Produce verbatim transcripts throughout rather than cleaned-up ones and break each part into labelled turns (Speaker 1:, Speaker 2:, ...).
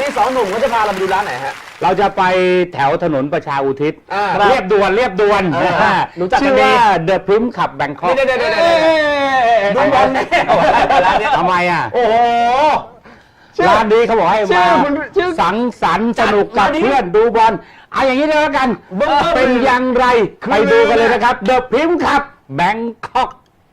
Speaker 1: นี้สองหนุ่มเขาจะพาเราไปดูร้านไหนฮะ
Speaker 2: เราจะไปแถวถนนประชาอุทิศ
Speaker 1: อ่า
Speaker 2: เรียบด่วนเรียบด่วน
Speaker 1: เออรู้จักกันดี
Speaker 2: ชื่อว่า The Prim Club Bangkok
Speaker 1: เดี๋ยวเดี๋ยวเดี๋ยวเดี๋ยวดูบอลร้านนี้
Speaker 2: ทำไมอ่ะ
Speaker 1: โอ้โห
Speaker 2: ร้านนี้เขาบอกให้
Speaker 1: ชื่
Speaker 2: มา
Speaker 1: อมันชื่อ
Speaker 2: สังสรรค์สนุกกับ
Speaker 1: ร้านนี้
Speaker 2: เพื่อนดูบอลเอาอย่างนี้เลยแล้วกัน
Speaker 1: เบิ่งเบิ่ง
Speaker 2: เป็นอย่างไรไปดูกันเลยนะครับ The Prim Club Bangkok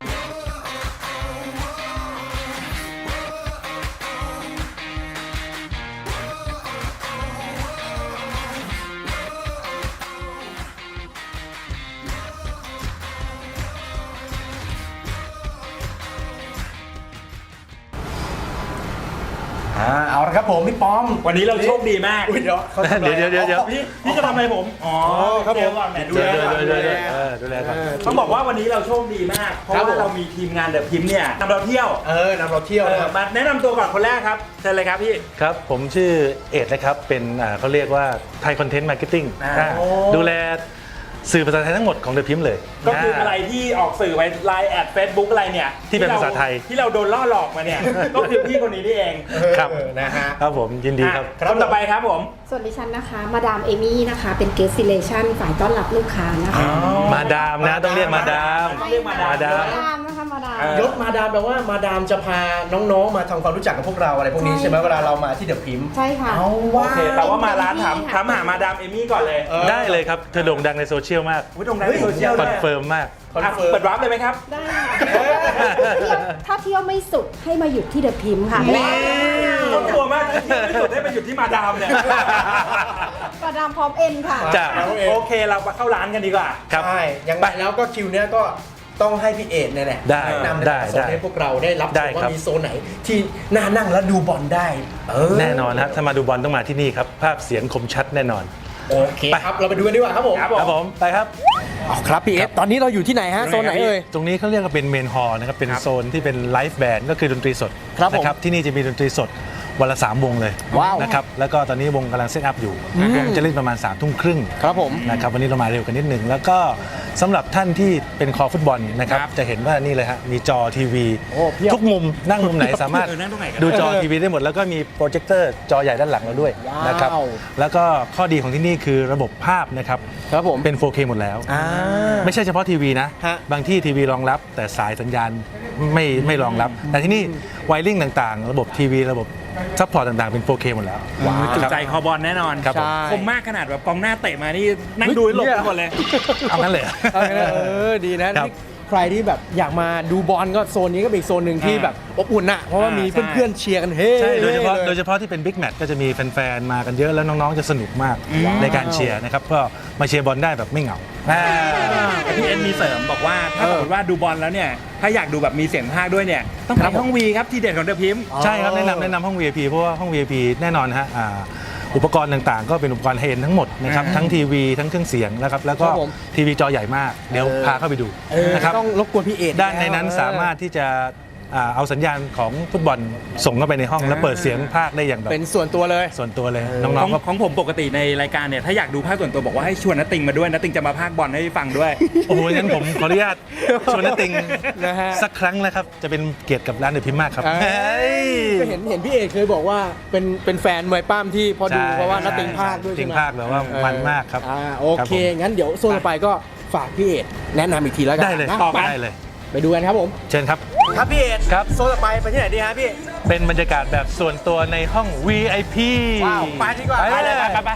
Speaker 3: เอาละครับผมพี่ป้อม
Speaker 4: วันนี้เราโชคดีมาก
Speaker 3: อุ๊ยเดี๋ยวเขาทำอะไร
Speaker 5: เดี๋ยวเดี๋ยวเดี๋ยว
Speaker 4: พี่พี่จะทำอะไรผม อ๋อ
Speaker 3: ครับผม
Speaker 4: เดี๋ยวก่อนแหมดูแลก่อน
Speaker 5: ดูแลเออดูแลก่อน
Speaker 4: ต้องบอกว่าวันนี้เราโชคดีมาก เพราะ
Speaker 3: ครับ
Speaker 4: ว่า
Speaker 3: ผม
Speaker 4: เรามีทีมงานเดอะพิมพ์เนี่ยนำเราเที่ยว
Speaker 3: เออนำเราเที่ยว
Speaker 4: เอ
Speaker 3: นะ
Speaker 4: อ
Speaker 3: ครับ
Speaker 4: มาแนะนำตัวก่อนคนแรกครับเชิญเลยครับพี่
Speaker 5: ครับผมชื่อเอ็ดนะครับเป็นอ่าเขาเรียกว่าไทยคอนเทนต์มาร์เก็ตติ้ง
Speaker 4: อ่า
Speaker 5: ดูแลสื่อภาษาไทยทั้งหมดของเดอะพิมพ์เลย
Speaker 4: ก็คืออะไรที่ออกสื่อไปไลน์แอดเฟซบุ๊กอะไรเนี่ย
Speaker 5: ที่เป็นภาษาไทย
Speaker 4: ที่เราโดนล่อหลอกมาเนี่ย ก็คือพี่คนนี้นี่เอง
Speaker 5: ครับ
Speaker 3: เออนะฮะ
Speaker 5: ครับผมยินดีครับ
Speaker 4: อ่ะคนต่อไปครับผม
Speaker 6: ส่วนดิฉันนะคะ มาดามเอมี่นะคะ เป็นเกสซิเลชันฝ่ายต้อนรับลูกค้านะคะ
Speaker 5: มาดามนะต้องเรียกมาดาม
Speaker 4: ต้องเรียกมาดาม
Speaker 5: มาดาม
Speaker 6: มาดามนะคะมาดาม
Speaker 4: เออ
Speaker 3: ยศมาดามแปลว่ามาดามจะพาน้องๆมาทำความรู้จักกับพวกเราอะไรพวกนี้ใช่ไหมเวลาเรามาที่เดอะพิมพ์
Speaker 6: ใช่ค่ะ
Speaker 3: เอา
Speaker 4: โอ
Speaker 3: ว่า
Speaker 4: เคแต่ว่ามาร้านถาม
Speaker 6: เป็นที่
Speaker 4: ถามหามาดามเอมี่ก่อนเลย
Speaker 3: เออ
Speaker 5: ได้เลยครับเธอโด่งดังในโซเชียลมาก
Speaker 4: วิตรงนั้นในโซเชียล
Speaker 5: ค
Speaker 4: ด้
Speaker 5: อ
Speaker 4: วน ย
Speaker 5: เฟิร์มมาก
Speaker 3: คอน
Speaker 4: อ่ะ
Speaker 3: เฟิร์ม
Speaker 4: เปิดวาร์ปเลยไหมครับ
Speaker 6: ได้ค่ะเที่ยวถ้าเที่ยวไม่สุดให้มาหยุดที่เดอะพิมพ์ค่ะ
Speaker 4: ต้องกลัวมากที่ที่สุดได้ไปหยุดที่มาดามเนี่ย
Speaker 6: มาดามพร้อมเอ็นค่ะ
Speaker 5: จ้ะ
Speaker 4: โอเคเรามาเข้าร้านกันดีกว่า
Speaker 5: ครับ
Speaker 3: ใช่ยังไงแล้วก็คิวเนี้ยก็ต้องให้พี่เอ็ดเนี่ยแหละ
Speaker 5: ได้
Speaker 3: แนะนำ
Speaker 5: ได้
Speaker 3: ในโซน
Speaker 5: ได้
Speaker 3: ให้พวกเราได้รับ
Speaker 5: ได้
Speaker 3: ชมว่า
Speaker 5: ครับ
Speaker 3: มีโซนไหนที่น่านั่งแล้วดูบอลได้เออ
Speaker 5: แน่นอนครับถ้ามาดูบอลต้องมาที่นี่ครับภาพเสียงคมชัดแน่นอน
Speaker 3: โอเคครับเราไปดูกันดีกว่าครับผม
Speaker 4: ครับ
Speaker 5: ครับผมไปครับ
Speaker 3: เอาครับพี่เอ็ดตอนนี้เราอยู่ที่ไหนฮะโซนไหนเอ่ย
Speaker 5: ตรงนี้เขาเรียกว่าเป็นเมนฮอลล์นะครับเป็นโซนที่เป็นไลฟ์แบนด์ก็คือดนตรีสด
Speaker 3: ครับผม
Speaker 5: นะครับที่นี่จะมีดนตรีสดวันละสามวงเลย
Speaker 3: ว้าว
Speaker 5: นะครับแล้วก็ตอนนี้วงกำลังเซตอัพอยู่วงจะเล่นประมาณ3ามทุ่มครึ่ง
Speaker 3: ครับผม
Speaker 5: นะครับวันนี้เรามาเร็วกันนิดหนึ่งแล้วก็สำหรับท่านที่เป็นคอฟุตบอลนะครับ
Speaker 4: ครับ
Speaker 5: จะเห็นว่านี่เลยฮะมีจอทีวี
Speaker 3: โอ้เพียบ
Speaker 5: ทุกมุมนั่งมุมไหนสามารถ
Speaker 4: เออนั่งตรงไหนก็ได้
Speaker 5: ดูจอทีวีได้หมดแล้วก็มีโปรเจคเตอร์จอใหญ่ด้านหลังเราด้วย
Speaker 3: ว้าว
Speaker 5: นะครับแล้วก็ข้อดีของที่นี่คือระบบภาพนะครับ
Speaker 3: ครับผม
Speaker 5: เป็น โฟร์เค หมดแล้ว
Speaker 3: อ่า
Speaker 5: ไม่ใช่เฉพาะทีวีนะ
Speaker 3: ฮะ
Speaker 5: บางที่ทีวีรองรับแต่สายสัญญาณไม่ไม่รองรับ แต่ที่นี่ไวริ่งต่างๆ ระบบทีวีระบบซัพพอร์ตต่างๆ เป็น โฟร์เค หมดแล้ว
Speaker 4: จุด
Speaker 5: ครับ
Speaker 4: ใจคอบอลแน่นอน
Speaker 5: ครับผม
Speaker 3: ใช่
Speaker 4: คมมากขนาดแบบกองหน้าเตะมานี่นั่งดูให้หลบทุกคนเลย
Speaker 5: เอางั้นเลยเหรอ
Speaker 3: เอางั้นเลยเออดีนะครับ นี่ใครที่แบบอยากมาดูบอลก็โซนนี้ก็เป็นอีกโซนหนึ่งที่
Speaker 4: อ่า
Speaker 3: แบบอบอุ่นอะเพราะว่ามี
Speaker 4: ใช่
Speaker 3: เพื่อนๆเชียร์กันเฮ้
Speaker 5: ใช่โดยเฉพาะ
Speaker 3: ล
Speaker 5: โดยเฉพาะที่เป็นบิ๊กแมตช์ก็จะมีแฟนๆ มากันเยอะแล้วน้องๆ จะสนุกมากในการเชียร์นะครับก็มาเชียร์บอลได้แบบไม่เหงาอ่า
Speaker 4: แต่พี่เอ็นมีเสริมบอกว่าถ้าสมมติว่าดูบอลแล้วเนี่ยถ้าอยากดูแบบมีเสียงพากย์ด้วยเนี่ยต้องไปห้องวีครับทีเด็ดของเดอะพิมพ์
Speaker 5: ใช่ครับแนะนำแนะนำห้อง วี ไอ พี เพราะว่าห้อง วี ไอ พี แน่นอนฮะอ่าอุปกรณ์ต่างๆ ก็เป็นอุปกรณ์ไฮเอ็นด์ทั้งหมดนะครับ
Speaker 4: อ่า
Speaker 5: ทั้งทีวีทั้งเครื่องเสียงนะครับแล้วก็
Speaker 3: ครับผม
Speaker 5: ทีวีจอใหญ่มาก เดี๋ยวพาเข้าไปดู
Speaker 3: เออ
Speaker 5: นะครับ
Speaker 3: ต้องรบกวนพี่เอ็ด
Speaker 5: ด้านในนั้น
Speaker 3: แล้ว
Speaker 5: สามารถที่จะอ่าเอาสัญญาณของฟุตบอลส่งเข้าไปในห้องแล้วเปิดเสียงพากย์ได้อย่างแบบ
Speaker 3: เป็นส่วนตัวเลย
Speaker 5: ส่วนตัวเลย
Speaker 4: ข
Speaker 5: น้
Speaker 4: อ
Speaker 5: อง
Speaker 4: ง
Speaker 5: ๆก็
Speaker 4: ของผมปกติในรายการเนี่ยถ้าอยากดูภาคส่วนตัวบอกว่าให้ชวนนัตติงมาด้วยนัตติงจะมาภาคบอลให้ฟังด้วย
Speaker 5: โอ้โหงั้นผมขออนุญาตชวนนติง
Speaker 3: นะฮะ
Speaker 5: สักครั้งนะครับจะเป็นเกียรติกับร้านเดอะพิมพ์มากครับ
Speaker 3: เอ้ย
Speaker 5: เฮ้ย
Speaker 3: ก็เห็นเห็นพี่เอ็ดเคยบอกว่าเป็นเป็นแฟนมวยปั้มที่พอดู
Speaker 5: ใช่
Speaker 3: เพราะว่านักติงภาคด้วย
Speaker 5: ติ
Speaker 3: ใช่
Speaker 5: ง
Speaker 3: ไหม
Speaker 5: ภาคแบบว่ามันมากครับ
Speaker 3: อ่าโอ
Speaker 5: ครับ
Speaker 3: เค
Speaker 5: ผม
Speaker 3: งั้นเดี๋ยวโซนต่อไปก็ฝากพี่เอ็ดแนะนำอีกทีแล้วกัน
Speaker 5: ได้เลย
Speaker 3: นะ
Speaker 4: ต่อไป
Speaker 5: ได้เลย
Speaker 3: ไปดูกันครับผม
Speaker 5: เชิญครับ
Speaker 3: ครับพี่เอ็ด
Speaker 5: ครับ
Speaker 3: โซนต่อไปไปที่ไหนดีฮะพี่
Speaker 5: เป็นบรรยากาศแบบส่วนตัวในห้อง วี ไอ พี
Speaker 3: ว้าวไปดีกว่า
Speaker 5: ไปเลย
Speaker 3: ไปไปไป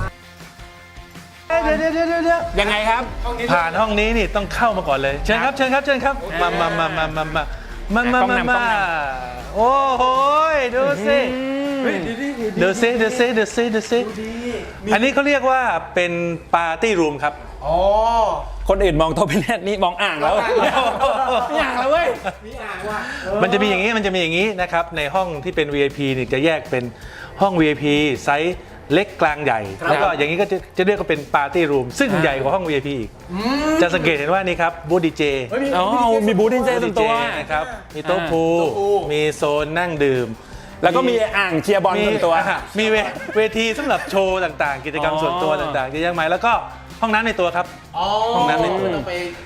Speaker 3: เดี๋ยวเดี๋ยวเดี๋ยวเดี๋ยว
Speaker 4: ยังไงครับ
Speaker 5: ผ่านห้องนี้นี่ต้องเข้ามาก่อนเลย เชิญครับเชิญครับเชิญครับมามามามามามามามา
Speaker 4: ต้อง
Speaker 5: มาน
Speaker 4: ำต้อง
Speaker 5: มาน โอ้โหดูสิดูสิดูสิดูสิดูสิอันนี้เขาเรียกว่าเป็นปาร์ตี้รูมครับ
Speaker 3: อ๋อ
Speaker 4: คนอื่นมองโต๊ะเป็นแนทนี่มองอ่างแล้วไม่อ่างแล้วเว้ย
Speaker 5: มันจะมีอย่างนี้มันจะมีอย่างนี้นะครับในห้องที่เป็น วี ไอ พี นี่จะแยกเป็นห้อง วี ไอ พี ไซส์เล็กกลางใหญ่ แล้วก็อย่างนี้ก็จะจะเรียกว่าเป็นปาร์ตี้รูมซึ่งใหญ่กว่าห้อง วี ไอ พี อีกจะสังเกตเห็นว่านี่ครับบูธดีเจ
Speaker 4: อ๋อมีบูธดีเจ
Speaker 5: บูธ
Speaker 4: ตั
Speaker 5: ดี
Speaker 4: ว
Speaker 5: เจ
Speaker 4: ตัว
Speaker 5: นะครับมีโต๊ะพูลมีโซนนั่งดื่ม
Speaker 4: แล้วก็มีอ่างเชียร์บอลส่วนตัว
Speaker 5: อ่ะมีเวเวทีสำหรับโชว์ต่างๆ กิจกรรม
Speaker 4: อ๋อ
Speaker 5: ส่วนตัวต่างๆเยอะแยะมากแล้วก็ห้องน้ำในตัวครับ ห้องน้ำในตัว
Speaker 3: ต้องไป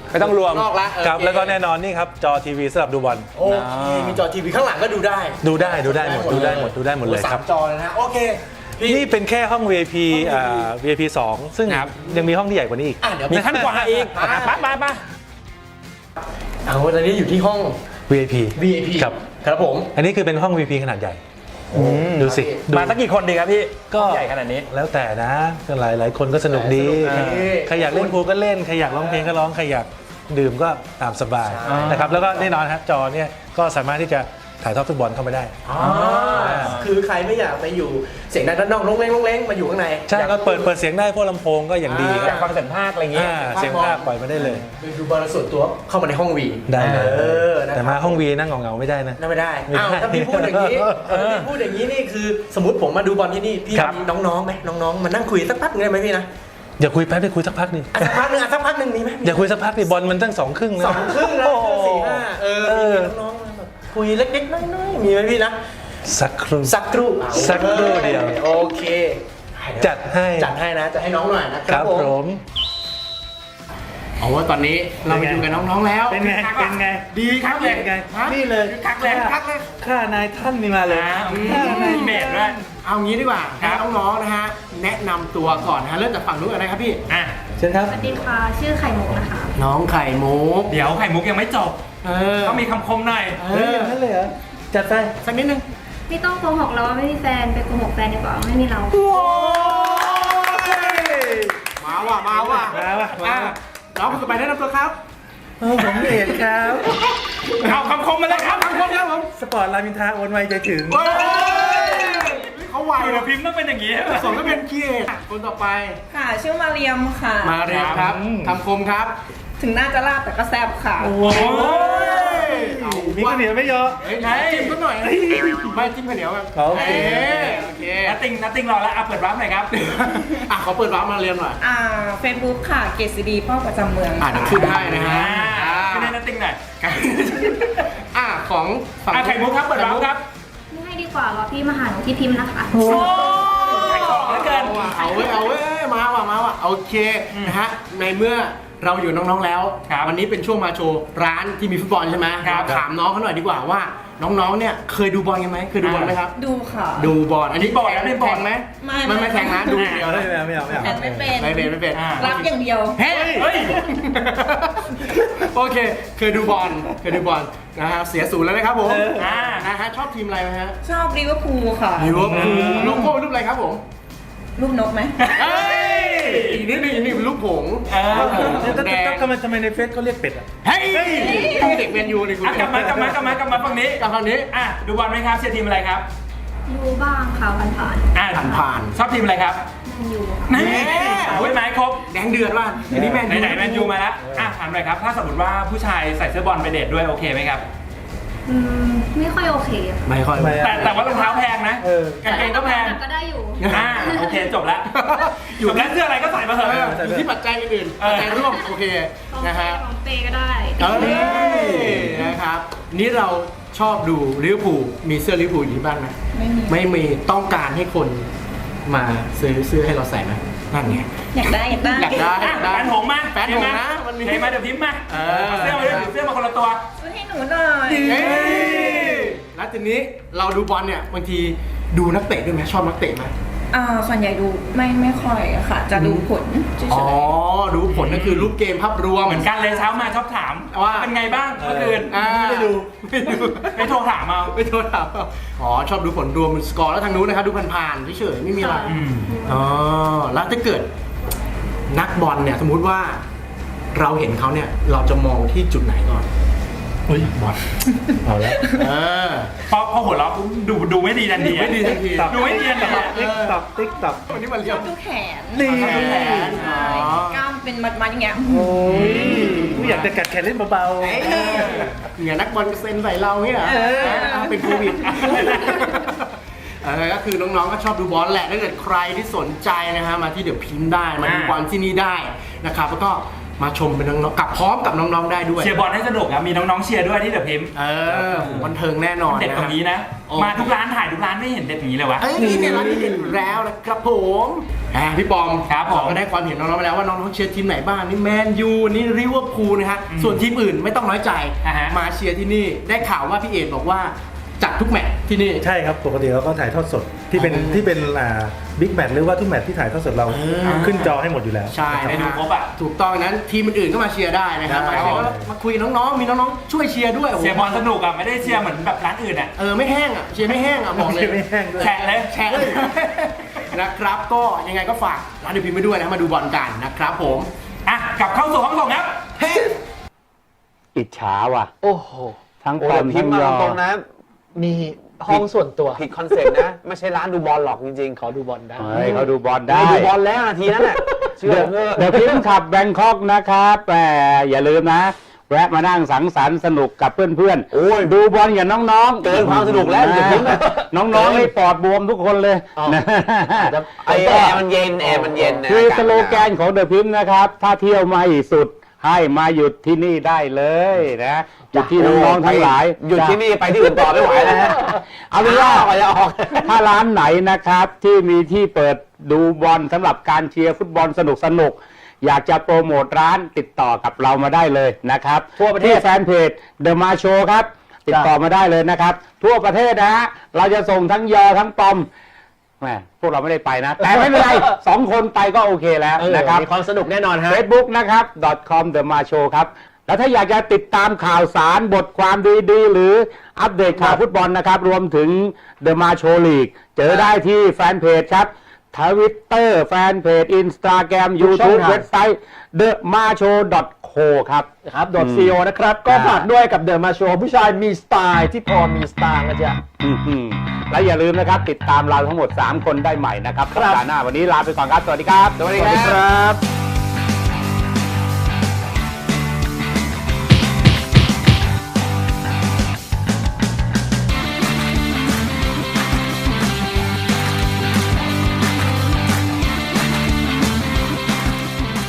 Speaker 2: ไม่ต้องรวม
Speaker 3: นอกละ
Speaker 5: ครับ
Speaker 3: โอเ
Speaker 5: แล้วก็แน่นอนนี่ครับจอทีวีสำหรับดูบอล
Speaker 3: โอเคมีจอทีวีข้างหลังก็ดูได้
Speaker 5: ดูได้ดูได้หมดดูได้หมดดูได้หมดเลย
Speaker 3: โอ้
Speaker 5: ครับ
Speaker 3: สามจอเลยนะโอเคพี่
Speaker 5: นี่เป็นแค่ห้อง วี ไอ พี อ่า วี ไอ พี สอง ซึ่ง
Speaker 2: ครับ
Speaker 5: ยังมีห้องที่ใหญ่กว่านี้อีก
Speaker 3: อ่ะเดี๋ยว
Speaker 2: มีขั้นกว่าอีก
Speaker 3: อ่ะ
Speaker 2: ไปไปไป
Speaker 3: เอาตอนนี้อยู่ที่ห้อง
Speaker 5: วี ไอ พี
Speaker 3: วี ไอ พี
Speaker 5: ครับ
Speaker 3: ครับผม
Speaker 5: อันนี้คือเป็นห้อง วี ไอ พี ขนาดใหญ่ดูสิดู
Speaker 2: มาสักกี่คนดีครับพี่
Speaker 5: ก็
Speaker 2: ใหญ่ขนาดนี้
Speaker 5: แล้วแต่นะก็หลายหลายคนก็สนุกดี
Speaker 3: สนุกดี
Speaker 5: ใครอยากเล่นพูลก็เล่นใครอยากร้องเพลงก็ร้องใครอยากดื่มก็ตามสบายนะครับแล้วก็แน่นอนครับจอเนี่ยก็สามารถที่จะถ่ายทอดฟุตบอลเข้าไปได้
Speaker 3: อ่าคือใครไม่อยากไปอยู่เสียงดังด้านนอกลงเล้งลงเล้งมาอยู่ข้างใน
Speaker 5: ใช่ก็เปิดเปิดเสียงได้พวกลำโพงก็อย่างดี
Speaker 2: อยากฟังเสียงภาคอะไรอย่างเงี้ย
Speaker 5: อ่าเสียงภาคปล่อยมาได้เลย
Speaker 3: ไปดูบอลส่วนตัวเข้ามาในห้องวี
Speaker 5: ได้เลย
Speaker 3: เออนะครับ
Speaker 5: แต่มาห้องวีนั่งเหงาๆไม่ได้นะ
Speaker 3: นั่นไม่ได้
Speaker 5: ไม่ได้
Speaker 3: อ้าวถ้าพี่พูดอย่างนี้ถ้าพี่พูดอย่างนี้นี่คือสมมติผมมาดูบอลที่นี่พี่
Speaker 5: ครับ
Speaker 3: มีน้องๆไหมน้องๆมานั่งคุยสักพักหนึงได้ไหมพี่นะ
Speaker 5: อย่าคุยแป๊บไปคุยสักพักหนึง
Speaker 3: อ่ะสักพักหนึงอ่ะสักพักหนึงมีไหม
Speaker 5: อย่าคุยสักพักดิบอลมันตั้งสองครึ่งนะ
Speaker 3: สองครึ่งนะ
Speaker 5: โอ้โห
Speaker 3: สี่ห้าเออ
Speaker 5: เออ
Speaker 3: มีน้องๆมาแบบคุยเล็กๆน้อยๆมีไหมพี่นะ
Speaker 5: สักครู่
Speaker 3: สักครู่
Speaker 5: สักครู่เดียว
Speaker 3: โอเค
Speaker 5: จัดให้
Speaker 3: จัดให้นะจัดให้น้องหน่อยนะค
Speaker 5: ค
Speaker 3: รั
Speaker 5: รั
Speaker 3: บบ ผม
Speaker 5: ผม
Speaker 3: เอาว่าตอนนี้เราไปดูกับน้องๆแล้ว
Speaker 5: เป็นไงเป็นไง
Speaker 3: ดีครับ
Speaker 5: เป็นไง
Speaker 3: ฮะ
Speaker 5: นี่เลย
Speaker 3: คักเลยคักเลย
Speaker 5: ข้านายท่านนี่มาเลย
Speaker 4: มีเมดด้วย
Speaker 3: เอางี้ดีกว่าให้น้องๆนะฮะแนะนำตัวก่อนนะฮะเริ่มจากฝั่งนู้นก่อนนะครับพี่
Speaker 4: อ่ะ
Speaker 5: เชิญครับ
Speaker 7: สวัสดีค่ะ ชื่อไข่มุกนะคะ
Speaker 3: น้องไข่มุก
Speaker 4: เดี๋ยวไข่มุกยังไม่จบ
Speaker 3: เออ
Speaker 4: ต้องมีคำคมหน่อย
Speaker 3: เอ
Speaker 5: เฮ้ย
Speaker 3: อ
Speaker 5: นั่นเลยเหรอจัดไป
Speaker 3: สักนิดนึง
Speaker 7: ไม่ต้องโกหกเราว่าไม่มีแฟน ไปโกหกแฟนดีกว่าว่าไม่มีเรา
Speaker 3: มาว่ะมาว่ะ
Speaker 5: มาว่ะมาว่ะ
Speaker 3: อ่น้องคนต่อไปแนะนำตัวครับ
Speaker 5: เออผมเอกครับ
Speaker 4: เอาคำคมมาเลยครับ
Speaker 3: ทางคนครับผม
Speaker 5: สปอร์ตรามอินทราโอนไวใจถึง
Speaker 3: เฮ้ยเขาไว
Speaker 4: เดี๋ย
Speaker 3: นะ
Speaker 4: วพิมพ์ต้องเป็นอย่างนี้
Speaker 3: สมก็เป็นคีเอทคนต่อไป
Speaker 8: ค่ะ ชื่อมาเรียมค่ะ
Speaker 3: มาเรียนครับคำคมครับ
Speaker 8: ถึงหน้าจะลาบแต่ก็แซ่บค่ะ
Speaker 3: โอ้ยเอา
Speaker 5: มีข้าวเหนียวไม่เยอะ
Speaker 3: เฮ้ยไหนจิ้มก็หน่อยไม่จิ้มข้าวเหนียวกัน
Speaker 5: โอเค
Speaker 3: โอเค
Speaker 4: นัตติงนัตติงรอแล้วอ่ะเปิดรับหน่อยครับ
Speaker 3: อ่ะขอเปิดวาร์ปมาเรียนหน่อย
Speaker 8: อ่าเฟซบุ๊กค่ะ เกษดีพ่อประจำเมือง
Speaker 3: อ่ะเดี๋ยวขึ้นให้นะฮะ
Speaker 4: อ่าขึ้นให้นัตติงหน่อย
Speaker 3: อ่ะของฝั่ง
Speaker 4: อ่ะไข่มุกครับเปิดรับครับ
Speaker 7: ไม่ให้ดีกว่ารอพี่มาหาหนูที่พิมพ์นะคะ
Speaker 4: โอ้ไข่ของเหลือเกิน
Speaker 3: เอาเว้ยเอาเว้ยมาว่ะมาว่ะโอเคนะฮะในเมื่อเราอยู่น้องๆแล้ว
Speaker 4: ครับ
Speaker 3: วันนี้เป็นช่วงมาโชว์ร้านที่มีฟุตบอลใช่ไหม
Speaker 4: ครับ
Speaker 3: ถามน้องเขาหน่อยดีกว่าว่าน้องๆเนี่ยเคยดูบอลกันไหมเคยดูบอลไหมครับ
Speaker 8: ดูค่ะ
Speaker 3: ดูบอลอันนี้
Speaker 4: บอลแล้ว
Speaker 3: แข่ง
Speaker 4: ได้บอล
Speaker 3: แข่งไหม
Speaker 8: ไม่
Speaker 3: ไม่
Speaker 8: ไม่
Speaker 3: ไม่แข่งนะดูอย่างเดียว
Speaker 5: ไม่
Speaker 3: นะ
Speaker 5: เอาไม่เอาไม่เอา
Speaker 8: แอนไม่เป็น
Speaker 3: ไม่เป็นไม่เป็น
Speaker 4: อ่า
Speaker 8: รับอย่างเดียว
Speaker 3: เฮ้ย
Speaker 4: เฮ้ย
Speaker 3: โอเค เคยดูบอลเคยดูบอลนะฮะเสียศูนย์แล้วนะครับผม
Speaker 4: อ่า
Speaker 3: นะฮะชอบทีมอะไรไหมฮะ
Speaker 8: ชอบลิเวอร์พูลค่ะ
Speaker 3: ลิเวอร์พูลโลโก้รูปอะไรครับผม
Speaker 8: รูปนกไหม
Speaker 3: เอ้ยอีกนิดนึงอีกนิดนึงลูกผง
Speaker 4: เออ
Speaker 3: ลูกผงแดง
Speaker 5: ทำไมทำไมในเฟซเขาเรียกเป็ดอ่ะ
Speaker 3: เฮ้ยเด็กแมนยูเลยคุณ
Speaker 4: อ่ะกลับมากลับมากลับมากลับมาฝั่งนี้
Speaker 3: กลับฝั่งนี้
Speaker 4: อ่ะดูบอลไหมครับเชียร์ทีมอะไรครับ
Speaker 7: ดูบ้างค่ะผ่านผ่าน
Speaker 4: อ่ะ
Speaker 3: ผ่านผ่าน
Speaker 4: ชอบทีมอะไรครับ
Speaker 7: ๆแมนยูค่ะ
Speaker 4: นี่โอ้ยไม้ครบ
Speaker 3: แดงเดือดว่ะอันนี้แมนยู
Speaker 4: ไหนๆแมนยูมาแล้วอ่ะถามหน่อยครับ ถ้าสมมติว่าผู้ชายใส่เสื้อบอลไปเดทด้วยโอเคไหมครับ
Speaker 7: อืม ไม่ค่อยโอเคอะ
Speaker 3: ไม่ค่อย
Speaker 5: ไม่
Speaker 4: แต่แต่ว่ารองเท้าแพงนะ
Speaker 5: เออ
Speaker 4: กางเกงก็แพง
Speaker 7: ก็ได้อยู่
Speaker 4: อ่าโอเคจบแล้วจบแล้วเสื้ออะไรก็ใส่มาเถ
Speaker 3: เออ
Speaker 4: อะ
Speaker 3: อยู่ที่ปัจจัยอื่นๆ
Speaker 4: เออ
Speaker 3: ปัจจัยร่วมโอเค
Speaker 7: ของ
Speaker 3: นะ
Speaker 7: เป
Speaker 3: ฮะ
Speaker 7: ของเปก็ได้
Speaker 3: เอ้ยนะครับนี่เราชอบดูลิเวอร์พูลมีเสื้อลิเวอร์พูลอยู่ที่บ้านไหม
Speaker 8: ไม่มี
Speaker 3: ไม่มีต้องการให้คนมาซื้อเสื้อให้เราใส่ไหมนั่นไง
Speaker 8: อยากได้อยากได้
Speaker 3: อยากได้
Speaker 4: อ่ะแฟนหงมา
Speaker 3: แฟนหงนะวันนี้
Speaker 4: เห็นไหมเดี๋ยวพิมพ์มา
Speaker 3: เออ
Speaker 4: เอาเสื้อมาด้วยเสื้อมาคนละตัว
Speaker 8: ซื้อให้หนูหน่อย
Speaker 3: เอ้ยแล้วทีนี้เราดูบอลเนี่ยบางทีดูนักเตะด้วยไหมชอบนักเตะไหม
Speaker 8: อ่าส่วนใหญ่ดูไม่ไม่ค่อยอะค่ะ จะดูผลเฉ
Speaker 3: อ๋อย ดูผลก็คือรูปเกมภาพรวม
Speaker 4: เหมือนกันเลยเช้ามาชอบถาม
Speaker 3: ว่า
Speaker 4: เป็นไงบ้างเมื่อคืน
Speaker 3: อ่าไม่ดูไม่ดู
Speaker 4: ไม่โทรถามเอา
Speaker 3: ไม่โทษครับอ๋อชอบดูผลรวมสกอร์แล้วทางนู้นนะครับดูผ่านๆเฉยๆไม่มีอะไร
Speaker 4: อืม
Speaker 3: อ๋อแล้วถ้าเกิดนักบอลเนี่ยสมมุติว่าเราเห็นเขาเนี่ยเราจะมองที่จุดไหนก่อน
Speaker 5: เฮ้ยบอลเอาแล้ว
Speaker 3: เออ
Speaker 4: พอพอหัวเราะปุ๊บดูดูไม่ดีทันทีอะ
Speaker 3: ไม่ดีทันที
Speaker 4: ดูไม่ดีทันทีอะ
Speaker 5: ติ๊กตับติ๊กตับ
Speaker 3: วันนี้มัน
Speaker 8: ๆ
Speaker 3: เรี
Speaker 8: ช
Speaker 3: ย
Speaker 8: อบ บดูแขน
Speaker 5: นี่
Speaker 3: แขน
Speaker 8: ใช่กล้ามเป็นมัดๆอย่างเงี้ย
Speaker 5: โอ้ยกูอยากจะกัดแขนเล่นเบา
Speaker 3: เอ้ยเหงื่อนักบอลกระเซ็นใส่เราเนี่ยเหรอ
Speaker 8: เออ
Speaker 3: เอาเป็นโควิดเออก็คือน้องๆก็ชอบดูบอลแหละถ้าเกิดใครที่สนใจนะฮะมาที่เดี๋ยวพิมพ์ได้มาดูบอลที่นี่ได้นะครับแล้วก็มาชมเป็นน้องๆกับพร้อมกับน้องๆได้ด้วย
Speaker 4: เชียร์บอลให้สนุกครับมีน้องๆเชียร์ด้วยที่เดอะพิมพ์
Speaker 3: เออบันเทิงแน่นอน
Speaker 4: เด็ด
Speaker 3: นะ
Speaker 4: ตรงนี้นะ
Speaker 3: โอ้
Speaker 4: มาทุกร้านถ่ายทุกร้านไม่เห็นเด็ดอย่างนี้เลยวะ
Speaker 3: เอ้ยนี่เนี่ยร้านนี้เด็ดอยู่แล้วนะครับผมอ่าพี่ปอม
Speaker 4: ครับผม
Speaker 3: เราก็ได้ความเห็นน้องๆไปแล้วว่าน้องๆเชียร์ทีมไหนบ้างนี่แมนยูนี่ลิเวอร์พูลนะฮะส่วนทีมอื่นไม่ต้องน้อยใจ
Speaker 4: อ่าฮะ
Speaker 3: มาเชียร์ที่นี่ได้ข่าวว่าพี่เอกบอกว่าจัดทุกแมตช์ที่นี่
Speaker 5: ใช่ครับปกติเราก็ถ่ายทอดสดที่เป็น
Speaker 3: อ๋อ
Speaker 5: ที่เป็นอ่าบิ๊กแมตช์หรือว่าทุกแมตช์ที่ถ่ายทอดสดเรา
Speaker 3: เออ
Speaker 5: ขึ้นจอให้หมดอยู่แล้ว
Speaker 3: ใช่
Speaker 4: ได้
Speaker 3: นะ
Speaker 4: ดู
Speaker 3: ฮะ
Speaker 4: ครบอะ
Speaker 3: ถูกต้องนั้นทีมอื่นๆก็มาเชียร์ได้นะครับ
Speaker 4: ครับ
Speaker 3: มาเชียร์ก็มาคุยกับน้องๆมีน้องๆช่วยเชียร์ด้วยโโห
Speaker 4: เชียร์บอลสนุกอะไม่ได้เชียร์เหมือนแบบร้านอื่นอะ
Speaker 3: เออไม่แห้งอ่ะเชียร์ไม่แห้งอ่ะบอกเลย
Speaker 5: เชียร์ไม่แห้งด้วย
Speaker 4: แฉะเลย
Speaker 3: แชร์เลย นะครับก็ยังไงก็ฝากร้านเดอะพิมพ์ไปด้วยนะมาดูบอลกันนะครับผม
Speaker 4: อ่ะกลับเข้าสู่ห้องส่งครับ
Speaker 3: เฮ้
Speaker 2: อิจฉาว่ะ
Speaker 1: โอ้โห
Speaker 2: ทั้ง
Speaker 1: โอ้
Speaker 2: ปอ
Speaker 1: แต่
Speaker 2: ม
Speaker 1: พิ
Speaker 2: ทั้
Speaker 1: ม
Speaker 2: ง
Speaker 1: พ์มาย
Speaker 2: อ
Speaker 1: ตรงๆนะ มีห้องส่วนตัวผิดคอนเซ็ปต์นะ ไม่ใช่ร้านดูบอลหรอกจริงๆ ขอดูบอลได้
Speaker 2: เฮ้ยเขาดูบอลได้
Speaker 1: ได้ดูบอลแล้วนาทีนั้นแหละเชื่อผมเถอะ
Speaker 2: เดี๋ยวพิมพ์ขับแบงคอกนะครับแต่อย่าลืมนะ แวะมานั่งสังสรรค์สนุกกับเพื่อน
Speaker 1: โอ้ย
Speaker 2: ๆ ดูบอลอย่างน้องๆ
Speaker 1: เกินความสนุกแล้วเดี๋ยวพิมพ์นะ
Speaker 2: น้องๆให้ปอดบวมทุกคนเลย
Speaker 1: อ๋อ
Speaker 2: นะ
Speaker 1: จะไอแอร์มันเย็นแอร์มันเย็นนะ
Speaker 2: คือสโลแกนของเดอะพิมพ์นะครับ ถ้าเที่ยวไม่สุดให้มาหยุดที่นี่ได้เลยนะหยุดที่น้องๆทั้งหลาย
Speaker 1: หยุดที่นี่ไปที่อื่นต่อไม่ไหวแล้วฮะ
Speaker 2: เอาเป็นว่า
Speaker 1: ออกอย่าออก
Speaker 2: ถ้าร้านไหนนะครับที่มีที่เปิดดูบอลสำหรับการเชียร์ฟุตบอลสนุกสนุกๆอยากจะโปรโมทร้านติดต่อกับเรามาได้เลยนะครับ
Speaker 1: ทั่วประเทศ
Speaker 2: ที่แฟนเพจ The Ma Show ครับ ติดต่อมาได้เลยนะครับ ทั่วประเทศนะฮะเราจะส่งทั้งยอทั้งปอมแหมพวกเราไม่ได้ไปนะ แต่ไม่เป็นไร สองคนไปก็โอเคแล้ว
Speaker 1: เออ
Speaker 2: นะครับ
Speaker 1: มีความสนุกแน่นอนฮะ
Speaker 2: Facebook นะครับ .com The Ma Show ครับ แล้วถ้าอยากจะติดตามข่าวสารบทความดีๆ หรืออัปเดตข่าวฟุตบอลนะครับ รวมถึง The Ma Show League เจอได้ที่แฟนเพจครับทวิตเตอร์แฟนเพจ Instagram
Speaker 1: ทุกช่อง
Speaker 2: YouTube
Speaker 1: ทาง
Speaker 2: เว็บไซต์ the ma show dot co ครับ
Speaker 1: ครับ .co นะครับ ก็
Speaker 2: อ่า
Speaker 1: ฝากด้วยกับเดอะมาโชว์ผู้ชายมีสไตล์ที่พอมีสไตล์นะจ๊ะ
Speaker 2: อื้อหือและอย่าลืมนะครับ ติดตามเราทั้งหมด สาม คนได้ใหม่นะครับ
Speaker 1: ครับ
Speaker 2: สัปดาห์หน้าวันนี้ลาไปก่อนครับ สวัสดีครับ
Speaker 1: สวัสดีครับ